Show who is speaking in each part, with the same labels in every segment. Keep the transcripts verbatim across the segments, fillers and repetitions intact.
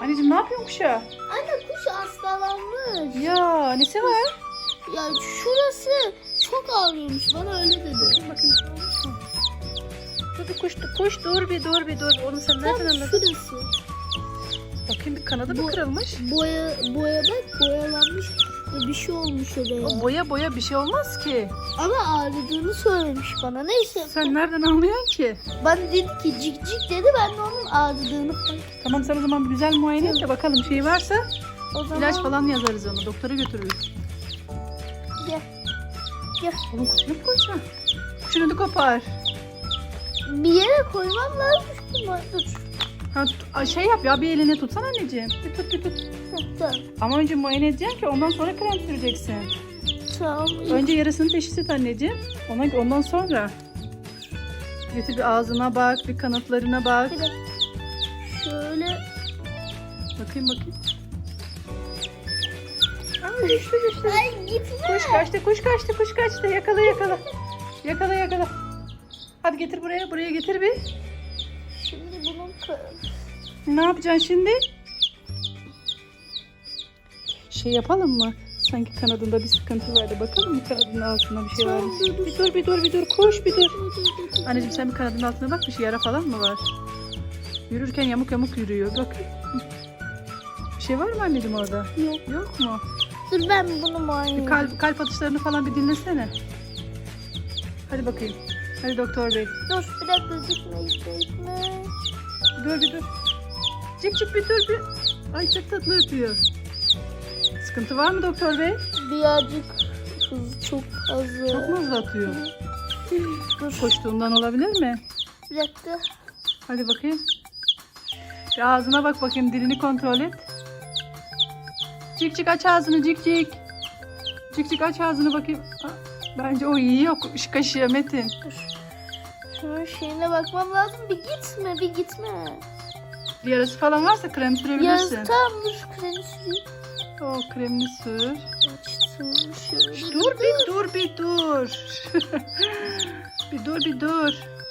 Speaker 1: Anneciğim ne yapıyorsun kuşa?
Speaker 2: Anne kuş hastalanmış.
Speaker 1: Ya nesi var?
Speaker 2: Ya şurası çok ağrıyormuş. Bana öyle dedi.
Speaker 1: Bakayım bakayım bir şey olmuş mu? Dur bir kuş, kuş dur bir dur bir dur. Onu sen nereden
Speaker 2: Tam
Speaker 1: anladın?
Speaker 2: şurası.
Speaker 1: Bakayım bir kanadı mı
Speaker 2: Bu-
Speaker 1: kırılmış?
Speaker 2: Boya, boya bak boyalanmış. ve Bir şey olmuş oraya.
Speaker 1: O boya boya bir şey olmaz ki.
Speaker 2: Ama ağrıdığını söylemiş bana. Neyse.
Speaker 1: Sen nereden anlıyorsun ki?
Speaker 2: Bana dedi ki cik cik dedi. Ben de onun ağrıdığını fark ettim.
Speaker 1: Tamam sen o zaman bir güzel muayene et de bakalım şey varsa
Speaker 2: O zaman
Speaker 1: ilaç falan yazarız onu. Doktora götürürüz.
Speaker 2: gel. Gel.
Speaker 1: Oğlum kuşunu mu koyacaksın? Kuşunu da kopar.
Speaker 2: Bir yere koymam lazım. Ama dur.
Speaker 1: Ha, t- şey yap ya bir eline tutsana anneciğim. Bir tut bir tut.
Speaker 2: Tamam.
Speaker 1: Ama önce muayene edeceksin ki ondan sonra krem süreceksin.
Speaker 2: Tamam.
Speaker 1: Önce yarasını teşhis et anneciğim. Ona, ondan sonra. Götür bir ağzına bak, bir kanatlarına bak.
Speaker 2: Bir de şöyle.
Speaker 1: Bakayım bakayım. Aa, düştü düştü.
Speaker 2: Ay gitme.
Speaker 1: Kuş kaçtı, kuş kaçtı, kuş kaçtı. Yakala yakala. Yakala yakala. Hadi getir buraya, buraya getir bir.
Speaker 2: Şimdi bunun kı-
Speaker 1: Ne yapacaksın şimdi? Şey yapalım mı? Sanki kanadında bir sıkıntı vardı. Bakalım mı kanadının altında bir şey var mı? Bir dur, bir dur, bir dur. Kuş bir dur. Anneciğim sen bir kanadının altına bak. Bir şey yara falan mı var? Yürürken yamuk yamuk yürüyor. Bak. Bir şey var mı anneciğim orada?
Speaker 2: Yok.
Speaker 1: Yok mu?
Speaker 2: Dur ben bunu muayene
Speaker 1: Bir kalp, kalp atışlarını falan bir dinlesene. Hadi bakayım. Hadi doktor bey.
Speaker 2: Dur bir dakika gitme gitme gitme.
Speaker 1: Dur bir dur. Cik cik bir dur bir. Ay çok tatlı ötüyor. Sıkıntı var mı doktor bey?
Speaker 2: Birazcık hız çok fazla.
Speaker 1: Çok mu hızlı atıyor?
Speaker 2: Dur
Speaker 1: Koştuğundan olabilir mi?
Speaker 2: bir dakika.
Speaker 1: Hadi bakayım. Bir ağzına bak bakayım. Dilini kontrol et. Cik cik aç ağzını cik cik. Cik cik aç ağzını bakayım. Aa, bence o iyi yok. Şu kaşıya Metin.
Speaker 2: Dur. Şunun şeyine bakmam lazım. Bir gitme bir gitme.
Speaker 1: Bir yarası falan varsa krem
Speaker 2: Ya
Speaker 1: sürebilirsin.
Speaker 2: tamam dur kremi süreyim.
Speaker 1: O kremini sür.
Speaker 2: Açtım şöyle.
Speaker 1: Dur bir dur bir dur. bir dur bir dur.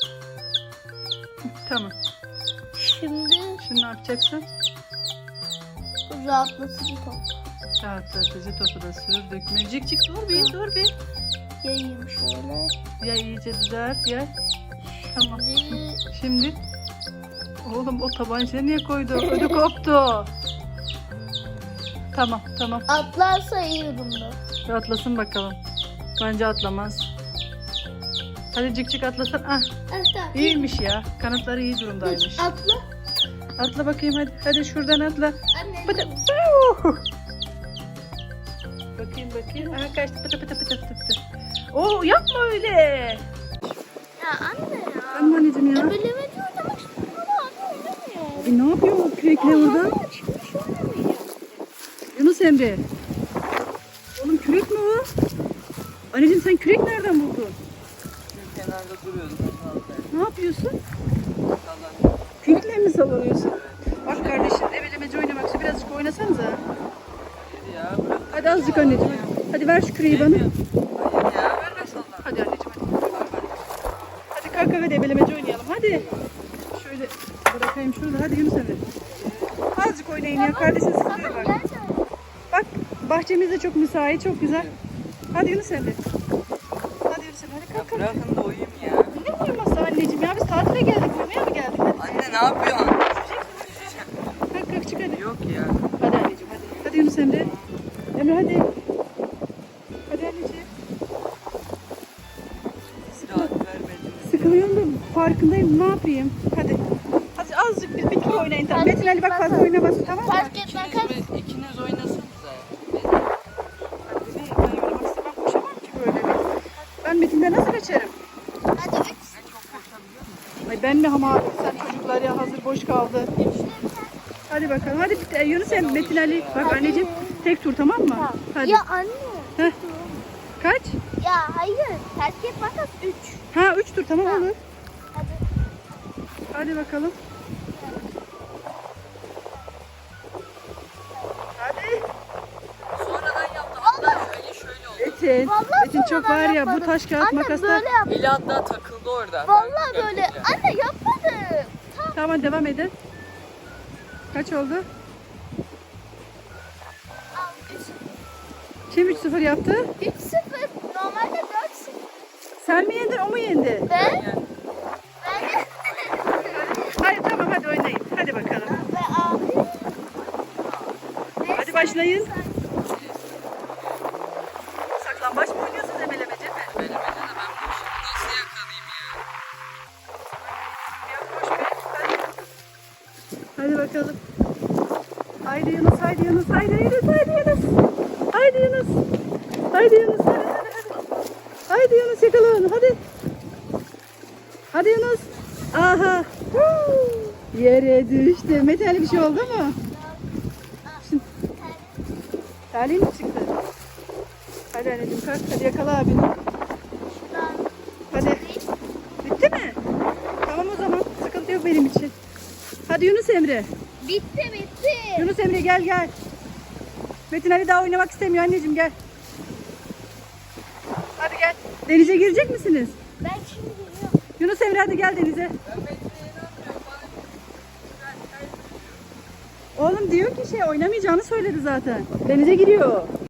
Speaker 1: Tamam.
Speaker 2: Şimdi
Speaker 1: Şimdi ne yapacaksın?
Speaker 2: rahatlatıcı top.
Speaker 1: Rahatlatıcı topu da sür. Dökme. Cik cik dur bir dur bir.
Speaker 2: Yayayım şöyle.
Speaker 1: Ya iyice düzelt ya. Tamam.
Speaker 2: Şimdi
Speaker 1: Şimdi. Oğlum o tabancayı niye koydu? Ödü koptu. Tamam tamam.
Speaker 2: atlarsa iyi durumda.
Speaker 1: Bir atlasın bakalım. Bence atlamaz. Hadi cik cik atlasın. Ah
Speaker 2: Evet tamam.
Speaker 1: iyiymiş ya. Kanatları iyi durumdaymış.
Speaker 2: Atla.
Speaker 1: Atla bakayım hadi. Hadi şuradan atla.
Speaker 2: Anne.
Speaker 1: Pıtı. Piu! Bakayım bakayım. Aha kaçtı pıtı pıtı pıtı pıtı pıtı. Oo yapma öyle.
Speaker 2: Ya anne ya.
Speaker 1: Tamam anneciğim ya.
Speaker 2: Ebeleme diyor demek istedim ama anne oynamıyor.
Speaker 1: E, ne yapıyor o kürekle orada?
Speaker 2: Aa, çıkmış oynamıyor.
Speaker 1: Yunus Emre. Oğlum kürek mi o? Anneciğim sen kürek nereden buldun?
Speaker 3: Kenarda duruyordum.
Speaker 1: Ne yapıyorsun? Kürekle mi sallanıyorsun? Bak kardeşim ebelemeci oynamak için birazcık oynasanıza.
Speaker 3: Hayır ya bırak.
Speaker 1: Hadi azıcık anneciğim. Hadi, hadi ver şu küreği bana.
Speaker 3: Hayır ya verme sallan.
Speaker 1: Hadi anneciğim hadi. Hadi kalk hadi ebelemeci oynayalım hadi. Şöyle bırakayım şurada hadi Yunus Emre. Azıcık oynayın ya kardeşim sıkılıyor bak. Bak bahçemiz de çok müsait çok güzel. Hadi Yunus Emre. Hadi Yunus Emre hadi
Speaker 3: Ya
Speaker 1: kalk kalk.
Speaker 3: bırakın da uyuyayım ya.
Speaker 1: Ne uyuması anneciğim ya biz tatile geldik uyumaya mı geldik? Hadi.
Speaker 3: Anne ne yapıyorsun?
Speaker 1: Kalk kalk çık hadi.
Speaker 3: Yok ya.
Speaker 1: Hadi anneciğim hadi. Hadi Yunus Emre. Emre hadi. Hadi anneciğim.
Speaker 3: Siz rahat vermediniz.
Speaker 1: Sıkılıyorum da farkındayım ne yapayım? Hadi. Hadi azıcık bir bitir oynayın tamam. Metin Ali bak fazla oynamasın tamam mı?
Speaker 2: Fark etmez.
Speaker 3: İkiniz, mi- ikiniz oynasanıza.
Speaker 1: Hadi ne? Ben oynamak istemem koşamam ki böyle. Ben Metin'den nasıl kaçarım?
Speaker 2: Hadi üç.
Speaker 1: Ay ben mi ama sen çocuklar ya hazır boş kaldı. Hadi bakalım. Hadi bir- e, Yunus Emre, Metin Ali. Bak anneciğim tek tur tamam mı? Hadi.
Speaker 2: Ya anne.
Speaker 1: Heh. Kaç?
Speaker 2: Ya hayır. Fark etmez üç.
Speaker 1: Ha üç tur tamam
Speaker 2: Ha.
Speaker 1: olur.
Speaker 2: Hadi.
Speaker 1: Hadi bakalım. Hadi.
Speaker 3: Sonradan yaptım. Hatta şöyle şöyle oldu.
Speaker 1: Metin.
Speaker 2: Vallahi
Speaker 1: Metin çok
Speaker 2: sonradan
Speaker 1: var ya bu
Speaker 2: yapmadım.
Speaker 1: taş kağıt
Speaker 2: Anne
Speaker 1: makasla.
Speaker 2: böyle yap.
Speaker 3: Eli hatta takıldı orada.
Speaker 2: Vallahi
Speaker 3: Ben
Speaker 2: böyle.
Speaker 3: gerçekten.
Speaker 2: Anne yapmadım.
Speaker 1: Tamam devam edin. Kaç oldu? Kim üç sıfır yaptı?
Speaker 2: üç sıfır. Normalde dört sıfır.
Speaker 1: Sen mi yendin o mu yendi?
Speaker 2: Ben?
Speaker 3: Yani
Speaker 2: Ben
Speaker 1: Hayır tamam hadi oynayın. Hadi bakalım.
Speaker 2: ve abi.
Speaker 1: Hadi başlayın. Saklambaç mı oynuyorsunuz ebelemece mi?
Speaker 3: benim de ben bu işi nasıl yakalayayım ya?
Speaker 1: Yok boş ver. Hadi. Hadi bakalım. Haydi Yunus, haydi Yunus, haydi Yunus, haydi Yunus. Haydi Yunus. Haydi Yunus, hadi hadi hadi. Haydi Yunus yakala onu, hadi. Hadi Yunus. Aha. Huu. Yere düştü. Mete Ali bir şey oldu mu? Şimdi. Terliğin mi çıktı? Hadi anneciğim kalk, hadi yakala abini. Hadi. Bitti mi? Tamam o zaman. Sıkıntı yok benim için. Hadi Yunus Emre.
Speaker 2: Bitti bitti.
Speaker 1: Yunus Emre gel gel. Metin Ali daha oynamak istemiyor anneciğim gel. Hadi gel. Denize girecek misiniz?
Speaker 2: Ben şimdi geliyorum.
Speaker 1: Yunus Emre hadi gel denize.
Speaker 3: Ben Metin'e inanmıyorum. Ben, ben, ben
Speaker 1: Oğlum diyor ki şey oynamayacağını söyledi zaten. Denize giriyor.